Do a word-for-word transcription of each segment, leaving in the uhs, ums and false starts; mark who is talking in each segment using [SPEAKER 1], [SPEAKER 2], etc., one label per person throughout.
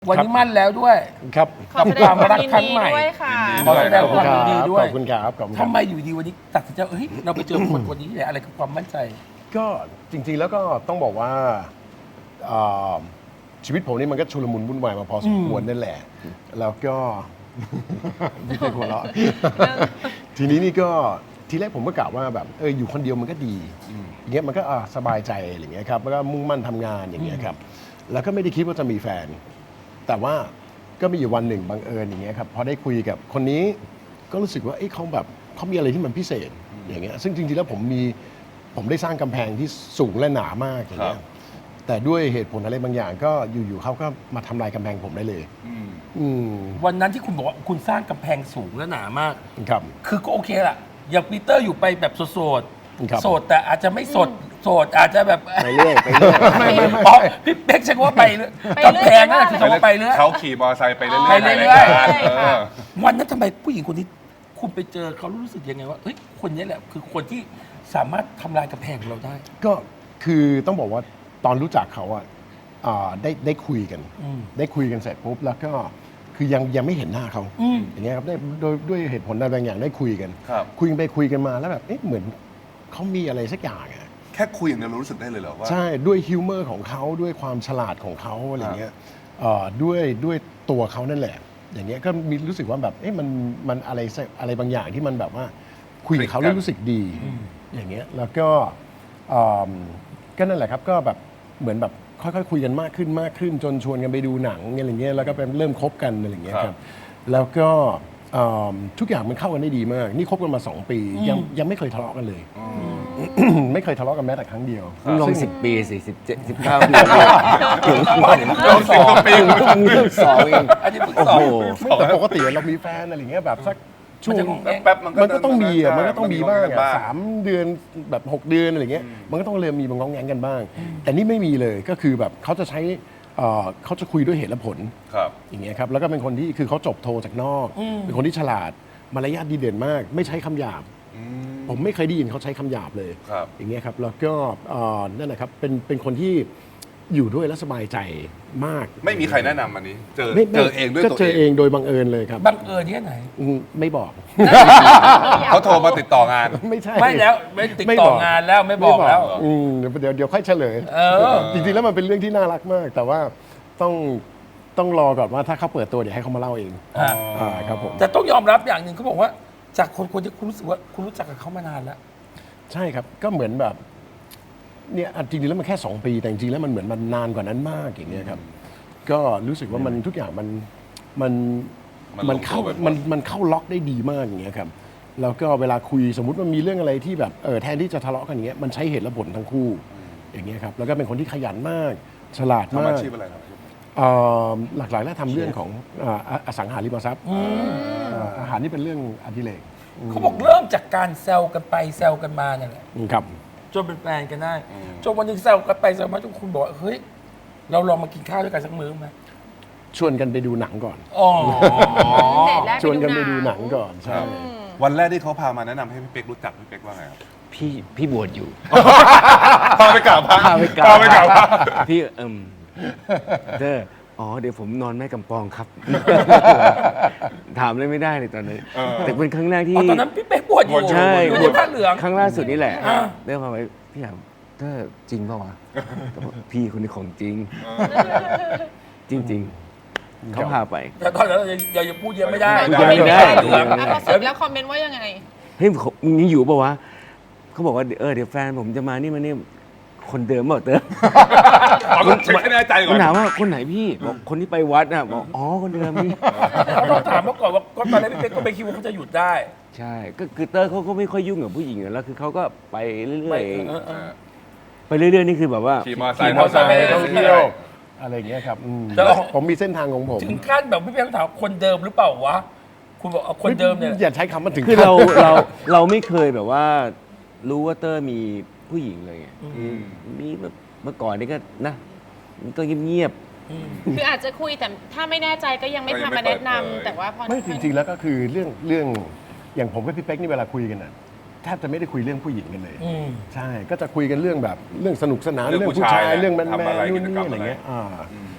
[SPEAKER 1] วันนี้มั่นแล้วด้วย
[SPEAKER 2] ครับ
[SPEAKER 3] ขอแสดงความยินดีด้วยค่ะ
[SPEAKER 1] ขอแสดงความยินดีด้วย
[SPEAKER 2] ขอบคุณครับขอบคุณค
[SPEAKER 1] ทำ
[SPEAKER 2] รับ
[SPEAKER 1] ไมอยู่ดีวันนี้ตัดสินใจเฮ้ยเราไปเจอคนคนนี้เนี่ยอะไรคือความมั่นใจ
[SPEAKER 2] ก็จริงๆแล้วก็ต้องบอกว่าอ่าชีวิตผมนี่มันก็ชุลมุนวุ่นวายมาพอสมควรนั่นแหละ แล้วก็ ไม่เคยหัวเราะ ทีนี้นี่ก็ทีแรกผมก็กะว่าแบบเอออยู่คนเดียวมันก็ดีอย่างเงี้ยมันก็อ่าสบายใจอะไรอย่างเงี้ยครับแล้วก็มุ่งมั่นทำงานอย่างเงี้ยครับแล้วก็ไม่ได้คิดว่าจะมีแฟน แต่ว่าก็มีอยู่วันหนึ่งบังเอิญอย่างเงี้ยครับพอได้คุยกับคนนี้ก็รู้สึกว่าเอ้ยเขาแบบเขามีอะไรที่มันพิเศษอย่างเงี้ยซึ่งจริงๆแล้วผมมีผมได้สร้างกำแพงที่สูงและหนามากอย่างเงี้ยแต่ด้วยเหตุผลอะไรบางอย่างก็อยู่ๆเขาก็มาทำลายกำแพงผมได้เลยอืม
[SPEAKER 1] วันนั้นที่คุณบอกว่าคุณสร้างกำแพงสูงและหนามาก
[SPEAKER 2] ครับ
[SPEAKER 1] คือก็โอเคล่ะ อย่างปีเตอร์อยู่ไปแบบโสด
[SPEAKER 2] ครับ
[SPEAKER 1] ๆโสดแต่อาจจะไม่สดโสดอาจจะแบบ
[SPEAKER 2] ไปเรื่อยไปเรื่อยไม่ไม่ไม่
[SPEAKER 1] อ๋อพี่เป๊กใช้คำว่าไปเรื่อย
[SPEAKER 3] ไปเรื่อย
[SPEAKER 1] กำแพงนั่นแหละคือคำว่าไปเรื่อย
[SPEAKER 4] เขาขี่มอเตอร์ไซค์ไปเรื่อยๆ
[SPEAKER 1] ไปเรื่อยๆ
[SPEAKER 4] ในรายการ
[SPEAKER 3] ใช่ค่ะ
[SPEAKER 4] เออ
[SPEAKER 1] วันนั้นทำไมผู้หญิงคนนี้คุณไปเจอเขารู้สึกยังไงว่าเฮ้ยคนนี้แหละคือคนที่สามารถทำลายกำแพงของเราได้
[SPEAKER 2] ก็คือต้องบอกว่าตอนรู้จักเขาอะอ่าได้ได้คุยกัน
[SPEAKER 1] อืม
[SPEAKER 2] ได้คุยกันเสร็จปุ๊บแล้วก็คือยังยังไม่เห็นหน้าเขา
[SPEAKER 1] อืม
[SPEAKER 2] อย่างเงี้ยครับได้โดยด้วยเหตุผลใดบางอย่างได้คุยกัน
[SPEAKER 4] ครับ
[SPEAKER 2] คุยกันไปคุยกันมาแล้วแบบเอ๊ะเหมือนเขามีอะไรสักอย่างอะ
[SPEAKER 4] แค่คุยอย่างเดียวเรารู้สึกได้เลยเหรอว่า
[SPEAKER 2] ใช่ด้วยฮิวเมอร์ของเขาด้วยความฉลาดของเขาอะไรเงี้ยเอ่อด้วยด้วยตัวเขานั่นแหละ อย่างเงี้ยก็มีรู้สึกว่าแบบเอ๊ะมันมันอะไรสักอะไรบางอย่างที่มันแบบว่าคุยกับเขาแล้วรู้สึกดีอย่างเงี้ยแล้วก็เอิ่มก็นั่นแหละครับก็แบบเหมือนแบบค่อยๆคุยกันมากขึ้นมากขึ้น จนชวนกันไปดูหนังอะไรเงี้ยแล้วก็เป็นเริ่มคบกันอะไรเงี้ยครับแล้วก็เอิ่มทุกอย่างมันเข้ากันได้ดีมาก นี่คบกันมาสองปียังยังไม่เคยทะเลาะกันเลย ไม่เคยทะเลาะกันแม้แต่ครั้งเดียว
[SPEAKER 5] ลอง
[SPEAKER 2] ซึ่
[SPEAKER 5] สิบปีสิสิบเจ็ดสิบเก้าปี
[SPEAKER 1] เริ่มสอง
[SPEAKER 4] ปี
[SPEAKER 5] เรื่องสองเอง
[SPEAKER 1] อันนี้เพิ่ง
[SPEAKER 5] โอ้
[SPEAKER 1] สอง
[SPEAKER 5] โห
[SPEAKER 2] ไม่แต่ปกติเรามีแฟนอะไรอย่างเงี้ยแบบสักช่วง
[SPEAKER 4] แป๊บๆมันก็
[SPEAKER 2] มันก็ต้องมีอ่ะมันก็ต้องมีบ้าง
[SPEAKER 4] บ้า
[SPEAKER 2] อ่ะ
[SPEAKER 4] ง
[SPEAKER 2] สามเดือนแบบหกเดือนอะไรเงี้ยมันก็ต้องเริ่มมีบางง้องแงงกันบ้าง แต่นี่ไม่มีเลยก็คือแบบเขาจะใช้เอ่อเขาจะคุยด้วยเหตุและผล
[SPEAKER 4] ครับ
[SPEAKER 2] อย่างเงี้ยครับแล้วก็เป็นคนที่คือเขาจบโทจากนอก เป็นคนที่ฉลาดมารยาทดีเด่นมาก ไม่ใช้คำหยาบ ผมไม่เคยได้ยินเขาใช้คำหยาบเลย
[SPEAKER 4] ครับ
[SPEAKER 2] อย่างเงี้ยครับแล้วก็เอ่อนั่นแหละครับเป็นเป็นคนที่อยู่ด้วยแล้วสบายใจมาก
[SPEAKER 4] ไม่มีใครแนะนำอันนี้ เจอ
[SPEAKER 2] ไม่ไม่
[SPEAKER 4] เจอเองด้วย
[SPEAKER 2] ก็
[SPEAKER 4] ตัว
[SPEAKER 2] เจอ
[SPEAKER 4] เอ
[SPEAKER 2] เอง งโดยบังเอิญเลยครับ
[SPEAKER 1] บังเอิญที่ไหน
[SPEAKER 2] อืมไม่บอก
[SPEAKER 4] เขาโทรมาติดต่องาน
[SPEAKER 2] ไม่ใช่
[SPEAKER 1] ไม่แล้วไม่ติด
[SPEAKER 2] ไม่
[SPEAKER 1] ต่
[SPEAKER 2] บ
[SPEAKER 1] อก งานแล้วไม่บอกแล้ว
[SPEAKER 2] อืมเดี๋ยวเดี๋ยวเดี๋ยวค่อยเฉลย
[SPEAKER 1] เออ
[SPEAKER 2] จริงๆแล้วมันเป็นเรื่องที่น่ารักมาก แต่ว่าต้องต้องรอก่อนว่าถ้าเขาเปิดตัวเดี๋ยวให้เขามาเล่าเอง
[SPEAKER 1] อ่า
[SPEAKER 2] อ่าครับผม
[SPEAKER 1] แต่ต้องยอมรับอย่างหนึ่งเขาบอกว่า จากคนคนที่คุณรู้สึกว่าคุณรู้จักกับเขามานานแล้ว
[SPEAKER 2] ใช่ครับก็เหมือนแบบเนี่ยอ่ะจริงๆแล้วมันแค่สองปีแต่จริงๆแล้วมันเหมือนมันนานกว่านั้นมากอย่างเงี้ยครับก็รู้สึกว่ามันทุกอย่างมันมัน
[SPEAKER 4] มัน
[SPEAKER 2] มัน
[SPEAKER 4] ลงตัว
[SPEAKER 2] เข้า
[SPEAKER 4] ไปหมด
[SPEAKER 2] มันมันเข้าล็อกได้ดีมากอย่างเงี้ยครับแล้วก็เวลาคุยสมมุติมันมีเรื่องอะไรที่แบบเออแทนที่จะทะเลาะกันอย่างเงี้ยมันใช้เหตุและผลทั้งคู่อย่างเงี้ยครับแล้วก็เป็นคนที่ขยันมาก ฉลาด
[SPEAKER 4] ทำ
[SPEAKER 2] มา
[SPEAKER 4] อาก ชีพอะไรครับ
[SPEAKER 2] เอ่อหลากๆแล้วทำเรื่องของอ่าออสังหาริมทรัพย์อ่าอาหารนี่เป็นเรื่องอดิเรก
[SPEAKER 1] เขาบอกเริ่มจากการแซวกันไปแซวกันมาเนี่ยแหละ
[SPEAKER 2] อืมครับ
[SPEAKER 1] จนเป็นแฟนกันได้จนวันหนึงแซวกันไปแซวมาจนคุณบอกว่าเฮ้ยเราลองมากินข้าวด้วยกันสักมื้อไหม
[SPEAKER 2] ชวนกันไปดูหนังก่อน
[SPEAKER 1] อ๋อ
[SPEAKER 3] เดทแรก
[SPEAKER 2] ชวนกันไป
[SPEAKER 3] ไปดู
[SPEAKER 2] ดู
[SPEAKER 3] ห
[SPEAKER 2] ห
[SPEAKER 3] นั
[SPEAKER 2] นั
[SPEAKER 3] ง
[SPEAKER 2] งก่อนใช่
[SPEAKER 4] วันแรกที่เขาพามาแนะนำให้พี่เป๊กรู้จักพี่เป๊กว่าไงครับ
[SPEAKER 5] พี่พี่บวชอยู่
[SPEAKER 4] พาไปกราบพระ
[SPEAKER 5] พาไปกราบ
[SPEAKER 4] พาไปกราบพระ
[SPEAKER 5] พี่เอิมเด้ออ๋อเดี๋ยวผมนอนแม่กำปองครับ ถามเลยไม่ได้เลยตอนนั้น
[SPEAKER 4] เออ
[SPEAKER 5] แต่เป็นครั้งแรกที่
[SPEAKER 1] อ๋อตอนนั้นพี่เป๊กบวชอยู่
[SPEAKER 5] ใช่
[SPEAKER 1] อยู่
[SPEAKER 5] บ
[SPEAKER 1] ใน
[SPEAKER 5] วช
[SPEAKER 1] ผ้าเหลือง
[SPEAKER 5] ครั้งล่าสุดนี่แหละ
[SPEAKER 1] อ่า
[SPEAKER 5] เริ่มมาไว้พี่ถามเธอจริงเปล่าวะแต่บอกพี่คนนี้ของจริง จริง ๆเขาพาไป
[SPEAKER 1] แต่ตอนนั้นเรายังเรายังพูดเยอะไม่ได้
[SPEAKER 5] พูดเยอะไม่ได้
[SPEAKER 1] เหลือง
[SPEAKER 3] แล้วพอเสร็จแล้วคอมเมนต์ว่ายังไง
[SPEAKER 5] เฮ้ยมึงยังอยู่ป่าวะเขาบอกว่าเออเดี๋ยวแฟนผมจะมานี่มานี่คนเดิมเปล่าเติม
[SPEAKER 4] ขอต้องเช็คให้แน่ใจก่
[SPEAKER 5] มั
[SPEAKER 4] อน น
[SPEAKER 5] ถามว่าคนไหนพี่บอกคนที่ไปวัดน่ะบอกอ๋อคนเดิมพี่
[SPEAKER 1] เขาต้องถามมาก่อนว่าก็ตอนแรกพี่เป๊กก็ไม่คิดว่าเขาจะหยุดได้
[SPEAKER 5] ใช่ก็คือเตอร์เขาก็ไม่ค่อยยุ่งกับผู้หญิงอยู่แล้วคือเขาก็ไปเรื่
[SPEAKER 1] ไป
[SPEAKER 5] อย
[SPEAKER 1] เออเออ
[SPEAKER 5] ๆไปเรื่อยๆนี่คือแบบว่า
[SPEAKER 4] ขี่มอเตอร์ไซ
[SPEAKER 2] ขี่
[SPEAKER 4] ค์
[SPEAKER 2] มอเตอร์ไซค์
[SPEAKER 1] ไป
[SPEAKER 2] ท่องเที่ยวอะไรอย่างเงี้ยครับอืม
[SPEAKER 1] แต่ว่า
[SPEAKER 2] ผมมีเส้นทางของผม
[SPEAKER 1] ถึงขั้นแบบพี่เป๊กถามคนเดิมหรือเปล่าวะคุณบอกเอาคนเดิมเนี่ย
[SPEAKER 2] อย่าใช้คำมันถึง
[SPEAKER 5] คือเราเราเราไม่เคยแบบว่า รู้ว่าเตอร์มีผู้หญิงเลยไงคือมีแบบเมื่อก่อนนี่ก็นะมันก็เงียบ
[SPEAKER 3] คืออาจจะคุยแต่ถ้าไม่แน่ใจก็ยังไม่พามาแนะนำแต่ว่าพอ
[SPEAKER 2] ไม่จริงๆแล้วก็คือเรื่องเรื่องอย่างผมกับพี่เป๊กนี่เวลาคุยกันน่ะแทบจะไม่ได้คุยเรื่องผู้หญิงกันเลย
[SPEAKER 1] อืม
[SPEAKER 2] ใช่ก็จะคุยกันเรื่องแบบเรื่องสนุกสนาน
[SPEAKER 4] เรื่อง
[SPEAKER 2] เรื่อง
[SPEAKER 4] ผู้
[SPEAKER 2] ผู้ชาย
[SPEAKER 4] ชาย
[SPEAKER 2] เรื่องแมน
[SPEAKER 4] ทำ
[SPEAKER 2] แม
[SPEAKER 4] อะไร
[SPEAKER 2] นนู่น
[SPEAKER 4] กิจกรร
[SPEAKER 2] นี่
[SPEAKER 4] ม
[SPEAKER 2] อะไรเงี้ย
[SPEAKER 4] อะไร
[SPEAKER 2] อ่า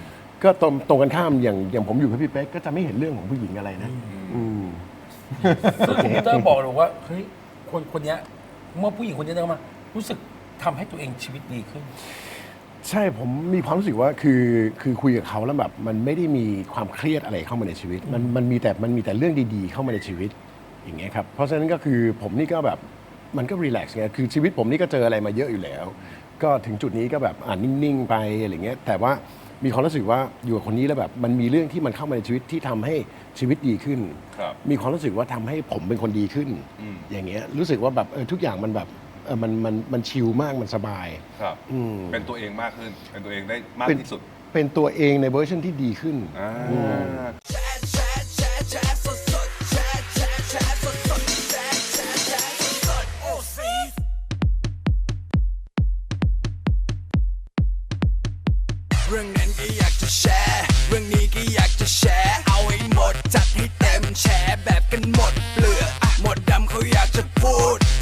[SPEAKER 2] ก็ตรงตรงกันข้ามอย่างอย่างผมอยู่กับพี่เป๊กก็จะไม่เห็นเรื่องของผู้หญิงอะไรนะอืม
[SPEAKER 1] ซึ่งคอมพิวเตอร์บอกเลยว่าเฮ้ยคนคนเนี้ยเมื่อผู้หญิงคนนี้เดินเข้ามารู้สึกทำให้ตัวเองชีวิตดีขึ้น
[SPEAKER 2] ใช่ผมมีความรู้สึกว่าคือคือคุยกับเขาแล้วแบบมันไม่ได้มีความเครียดอะไรเข้ามาในชีวิต มันมันมีแต่มันมีแต่เรื่องดีๆเข้ามาในชีวิตอย่างเงี้ยครับเพราะฉะนั้นก็คือผมนี่ก็แบบมันก็รีแลกซ์ไงคือชีวิตผมนี่ก็เจออะไรมาเยอะอยู่แล้ว ก็ถึงจุดนี้ก็แบบอ่านนิ่งๆไปอะไรเงี้ยแต่ว่ามีความรู้สึกว่าอยู่กับคนนี้แล้วแบบมันมีเรื่องที่มันเข้ามาในชีวิตที่ทำให้ชีวิตดีขึ้น
[SPEAKER 4] ครับ
[SPEAKER 2] มีความรู้สึกว่าทำให้ผมเป็นคนดีขึ้น
[SPEAKER 4] อืม
[SPEAKER 2] อย่างเงี้ยรู้สึกว่าแบบเออทุกอย่างมันแบบเออมันมันมันชิลมากมันสบาย
[SPEAKER 4] ครับ
[SPEAKER 2] อืม
[SPEAKER 4] เป็นตัวเองมากขึ้น เป็นตัวเองได้มาก
[SPEAKER 2] เป็น
[SPEAKER 4] ที่สุด
[SPEAKER 2] เป็นตัวเองในเวอร์ชันที่ดีขึ้น
[SPEAKER 4] อ่า
[SPEAKER 6] เรื่องนั้นก็อยากจะแชร์ เรื่องนี้ก็อยากจะแชร์ เอาให้หมดจัดให้เต็มแชร์แบบกันหมดเปลือกอะหมดดำเขาอยากจะพูด